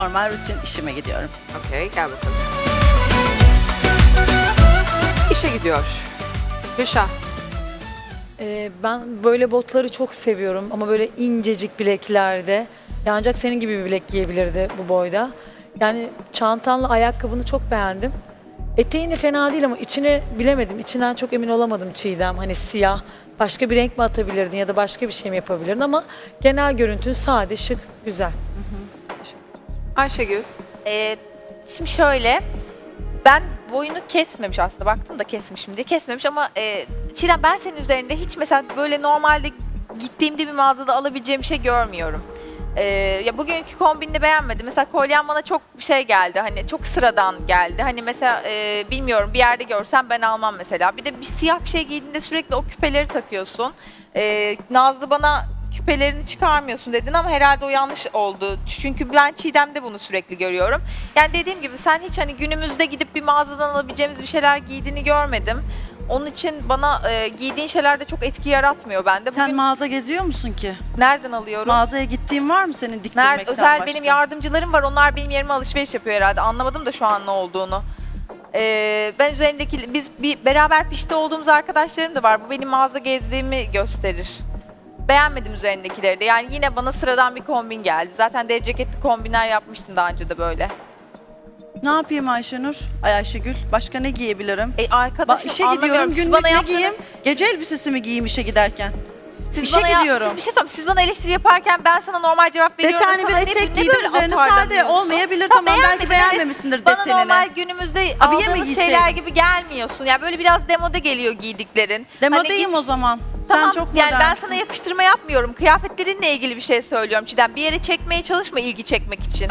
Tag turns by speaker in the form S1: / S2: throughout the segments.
S1: Normal rutin işime gidiyorum.
S2: Okey, gel bakalım. İşe gidiyor. Gülşah.
S3: Ben böyle botları çok seviyorum ama böyle incecik bileklerde. Ya ancak senin gibi bir bilek giyebilirdi bu boyda. Yani çantanla ayakkabını çok beğendim. Eteğin de fena değil ama içine bilemedim. İçinden çok emin olamadım Çiğdem. Hani siyah, başka bir renk mi atabilirdin ya da başka bir şey mi yapabilirdin ama genel görüntün sade, şık, güzel.
S2: Ayşegül.
S4: Şimdi şöyle, ben boyunu kesmemiş aslında, baktım da kesmişim diye kesmemiş ama Çiğdem ben senin üzerinde hiç mesela böyle normalde gittiğimde bir mağazada alabileceğim bir şey görmüyorum. Ya bugünkü kombinini beğenmedim. Mesela kolyen bana çok şey geldi, hani çok sıradan geldi. Hani mesela bilmiyorum, bir yerde görsem ben almam mesela. Bir de bir siyah bir şey giydiğinde sürekli o küpeleri takıyorsun. Nazlı bana küpelerini çıkarmıyorsun dedin ama herhalde o yanlış oldu. Çünkü ben Çiğdem'de bunu sürekli görüyorum. Yani dediğim gibi sen hiç hani günümüzde gidip bir mağazadan alabileceğimiz bir şeyler giydiğini görmedim. Onun için bana giydiğin şeyler de çok etki yaratmıyor bende.
S1: Sen
S4: Bugün
S1: mağaza geziyor musun ki?
S4: nereden alıyorum?
S1: Mağazaya gittiğin var mı senin diktirmekten
S4: Nerede? Özel
S1: başka?
S4: benim yardımcılarım var. Onlar benim yerime alışveriş yapıyor herhalde. Anlamadım da şu an ne olduğunu. Ben üzerindeki, biz bir beraber pişti olduğumuz arkadaşlarım da var. Bu benim mağaza gezdiğimi gösterir. Beğenmedim üzerindekileri de. Yani yine bana sıradan bir kombin geldi. Zaten deri ceketli kombinler yapmıştın daha önce de böyle.
S1: Ne yapayım Ayşenur? Ay Ayşegül. Başka ne giyebilirim?
S4: Arkadaşım
S1: işe
S4: anlamıyorum.
S1: gidiyorum.
S4: Siz
S1: Günlük
S4: bana
S1: ne
S4: yaptığınız-
S1: giyeyim? Gece elbisesi mi giyeyim işe giderken?
S4: Siz
S1: İşe
S4: bana
S1: gidiyorum.
S4: Bir şey söyleyeyim. Siz bana eleştiri yaparken ben sana normal cevap veriyorum.
S1: Deseni bir
S4: Sana
S1: etek
S4: ne
S1: giydin
S4: böyle
S1: üzerine sade
S4: atarlanıyorsun?
S1: olmayabilir.
S4: Tamam,
S1: Tamam belki
S4: beğenmedim,
S1: beğenmemişsindir
S4: Bana
S1: desenini.
S4: normal günümüzde
S1: Abiye mi
S4: aldığımız
S1: giyseydin?
S4: şeyler gibi gelmiyorsun. Yani böyle biraz demode geliyor giydiklerin.
S1: Demodeyim
S4: Hani
S1: o zaman.
S4: Tamam,
S1: Sen çok
S4: yani ben
S1: modernsin.
S4: sana yakıştırma yapmıyorum. Kıyafetlerinle ilgili bir şey söylüyorum Çiğdem. Bir yere çekmeye çalışma ilgi çekmek için.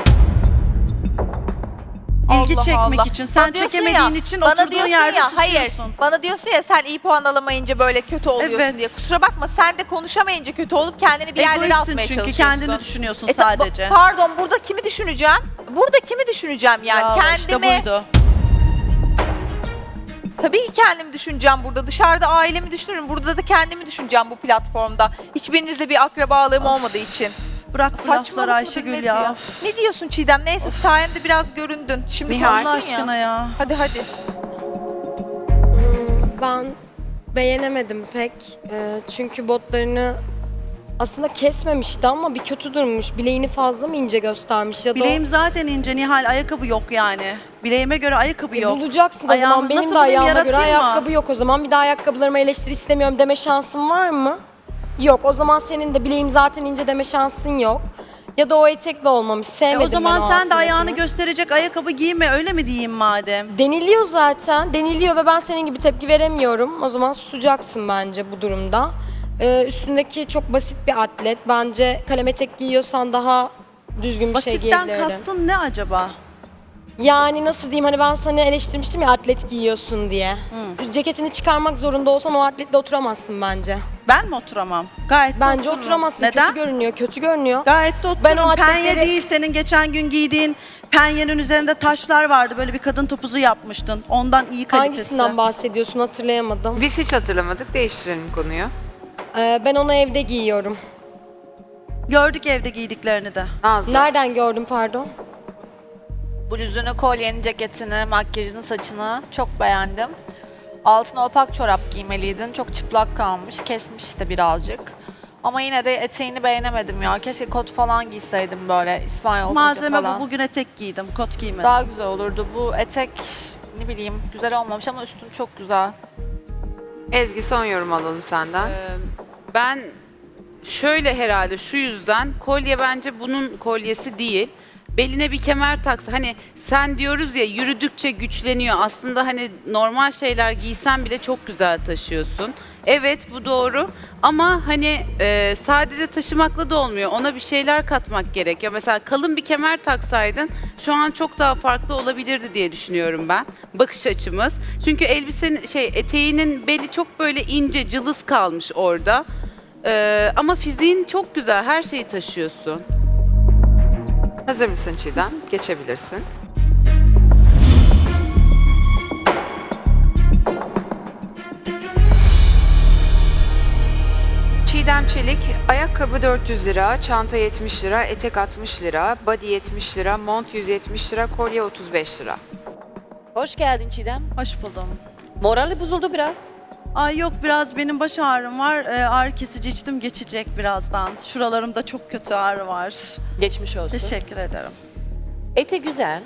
S1: İlgi
S4: Allah
S1: çekmek
S4: Allah.
S1: için. Sen
S4: Bana diyorsun
S1: çekemediğin
S4: ya,
S1: için
S4: bana
S1: oturduğun
S4: diyorsun
S1: yerde
S4: ya, hayır.
S1: susuyorsun.
S4: Bana diyorsun ya sen iyi puan alamayınca böyle kötü oluyorsun
S1: Evet.
S4: diye. Kusura bakma, sen de konuşamayınca kötü olup kendini bir yerlere
S1: Egoistsin
S4: atmaya
S1: çünkü
S4: çalışıyorsun.
S1: kendini düşünüyorsun
S4: E,
S1: sadece.
S4: Pardon, burada kimi düşüneceğim? Burada kimi düşüneceğim yani?
S1: Bravo,
S4: Kendimi.
S1: işte buydu.
S4: Tabii ki kendimi düşüneceğim burada. Dışarıda ailemi düşünürüm. Burada da kendimi düşüneceğim bu platformda. Hiçbirinizle bir akrabalığım olmadığı için.
S1: Bırak bu lafları
S4: Saçmalık
S1: Ayşegül
S4: mıdır,
S1: ya.
S4: nedir Ne diyorsun Çiğdem? Neyse, sayende biraz göründün. Şimdi
S2: Nihal.
S4: konuştun
S1: Allah aşkına ya.
S4: Hadi hadi.
S5: Ben beğenemedim pek. Çünkü botlarını aslında kesmemişti ama bir kötü durmuş. Bileğini fazla mı ince göstermiş ya da
S1: Bileğim zaten ince Nihal, ayakkabı yok yani. Bileğime göre ayakkabı yok.
S5: bulacaksın o
S1: Ayağımı
S5: zaman. Benim
S1: nasıl
S5: de
S1: bulayım,
S5: ayağıma göre
S1: yaratayım mı?
S5: ayakkabı yok o zaman. Bir daha ayakkabılarıma eleştiri istemiyorum deme şansın var mı? Yok. O zaman senin de bileğim zaten ince deme şansın yok. Ya da o etekle olmamış. Sevmedim
S1: O zaman
S5: ben o
S1: sen de
S5: altındakini.
S1: ayağını gösterecek ayakkabı giyme, öyle mi diyeyim madem?
S5: Deniliyor zaten. Deniliyor ve ben senin gibi tepki veremiyorum. O zaman susacaksın bence bu durumda. Üstündeki çok basit bir atlet. Bence kalem etek giyiyorsan daha düzgün bir şey
S1: Basitten
S5: giyebilirdin.
S1: kastın ne acaba?
S5: Yani nasıl diyeyim, hani ben sana eleştirmiştim ya atlet giyiyorsun diye. Ceketini çıkarmak zorunda olsan o atletle oturamazsın bence.
S1: Ben mi oturamam? Gayet de
S5: Bence
S1: otururum.
S5: oturamazsın.
S1: Neden?
S5: Kötü görünüyor. Kötü görünüyor.
S1: Gayet de otururum.
S5: Ben o
S1: Penye
S5: atletleri-
S1: değil, senin geçen gün giydiğin penyenin üzerinde taşlar vardı. Böyle bir kadın topuzu yapmıştın. Ondan iyi kalitesi.
S5: Hangisinden bahsediyorsun hatırlayamadım.
S2: Biz hiç hatırlamadık. Değiştirelim konuyu.
S5: Ben onu evde giyiyorum.
S1: Gördük evde giydiklerini de.
S2: Nazlı.
S5: Nereden gördüm pardon?
S6: Bluzunu, kolyeni, ceketini, makyajını, saçını çok beğendim. Altına opak çorap giymeliydin. Çok çıplak kalmış. Kesmiş de birazcık. Ama yine de eteğini beğenemedim ya. Keşke kot falan giyseydim böyle İspanyol paça
S1: Malzeme
S6: falan.
S1: bu. Bugün etek giydim. Kot giymedim.
S6: Daha güzel olurdu. Bu etek ne bileyim güzel olmamış ama üstün çok güzel.
S2: Ezgi, son yorum alalım senden.
S7: Ben şöyle herhalde şu yüzden kolye bence bunun kolyesi değil. Beline bir kemer taksa, hani sen diyoruz ya yürüdükçe güçleniyor. Aslında hani normal şeyler giysen bile çok güzel taşıyorsun. Evet, bu doğru ama hani sadece taşımakla da olmuyor. Ona bir şeyler katmak gerekiyor. Mesela kalın bir kemer taksaydın şu an çok daha farklı olabilirdi diye düşünüyorum ben. Bakış açımız. Çünkü elbisenin eteğinin beli çok böyle ince, cılız kalmış orada. Ama fiziğin çok güzel. Her şeyi taşıyorsun.
S2: Hazır mısın Çiğdem? Geçebilirsin. Çiğdem Çiğdem Çelik, ayakkabı 400 lira, çanta 70 lira, etek 60 lira, body 70 lira, mont 170 lira, kolye 35 lira.
S8: Hoş geldin Çiğdem.
S1: Hoş buldum.
S8: Morali bozuldu biraz.
S1: Ay yok, biraz benim baş ağrım var. Ağrı kesici içtim, geçecek birazdan. Şuralarımda çok kötü ağrı var.
S8: Geçmiş olsun.
S1: Teşekkür ederim.
S8: Ete güzel.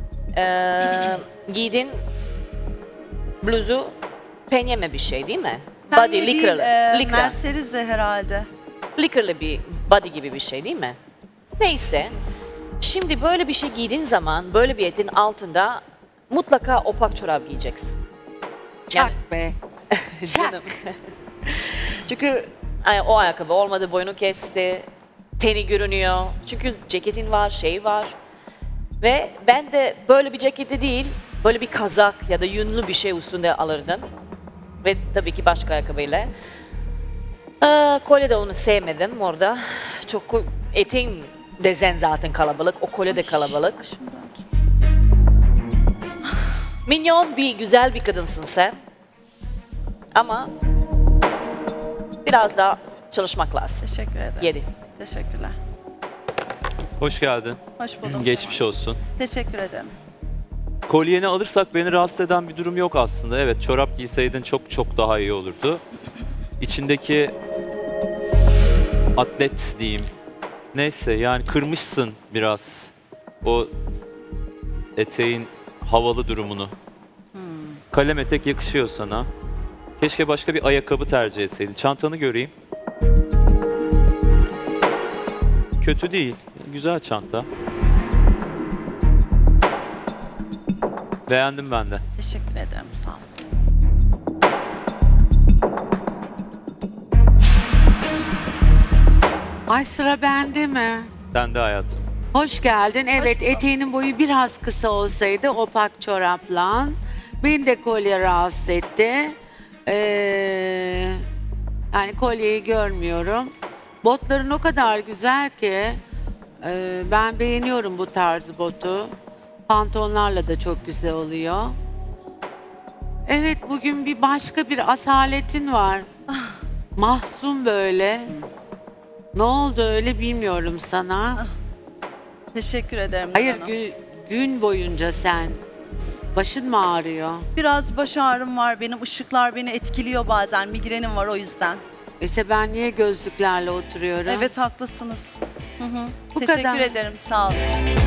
S8: Giydin bluzu penyeme bir şey değil mi?
S1: Penye
S8: Body
S1: değil,
S8: licker'lı. Licra.
S1: Mercedes'e herhalde.
S8: Licker'lı bir body gibi bir şey değil mi? Neyse. Şimdi böyle bir şey giydiğin zaman böyle bir etin altında mutlaka opak çorap giyeceksin.
S2: Çak be.
S8: Canım. Çünkü o ayakkabı olmadı, boyunu kesti, teni görünüyor. Çünkü ceketin var, şey var. Ve ben de böyle bir ceketi değil, böyle bir kazak ya da yünlü bir şey üstünde alırdım. Ve tabii ki başka ayakkabıyla. Kolye de onu sevmedim orada. Çok eteğin dezen zaten kalabalık, o kolye de kalabalık.
S1: Başım döndü.
S8: Minyon bir güzel bir kadınsın sen. Ama biraz daha çalışmak lazım.
S1: Teşekkür ederim.
S8: 7.
S1: Teşekkürler.
S9: Hoş geldin.
S1: Hoş buldum.
S9: Geçmiş olsun.
S1: Teşekkür ederim.
S9: Kolyeni alırsak beni rahatsız eden bir durum yok aslında. Evet, çorap giyseydin çok çok daha iyi olurdu. İçindeki atlet diyeyim. Neyse yani kırmışsın biraz o eteğin havalı durumunu. Kalem etek yakışıyor sana. Keşke başka bir ayakkabı tercih etseydin. Çantanı göreyim. Kötü değil. Güzel çanta. Beğendim ben de.
S1: Teşekkür ederim. Sağ olun.
S10: Ay sıra bende mi?
S9: Sen de hayatım.
S10: Hoş geldin. Evet, eteğinin boyu biraz kısa olsaydı opak çorapla. Beni de kolye rahatsız etti. Yani kolyeyi görmüyorum. Botların o kadar güzel ki ben beğeniyorum bu tarz botu. Pantolonlarla da çok güzel oluyor. Evet, bugün bir başka bir asaletin var. Mahzun böyle. Ne oldu öyle bilmiyorum sana.
S1: Teşekkür ederim.
S10: Hayır,
S1: Hanım.
S10: gün boyunca sen. Başın mı ağrıyor?
S1: Biraz baş ağrım var benim. Işıklar beni etkiliyor bazen. Migrenim var o yüzden.
S10: İşte ben niye gözlüklerle oturuyorum?
S1: Evet, haklısınız. Hı hı.
S10: Bu
S1: Teşekkür
S10: kadar.
S1: ederim. Sağ olun.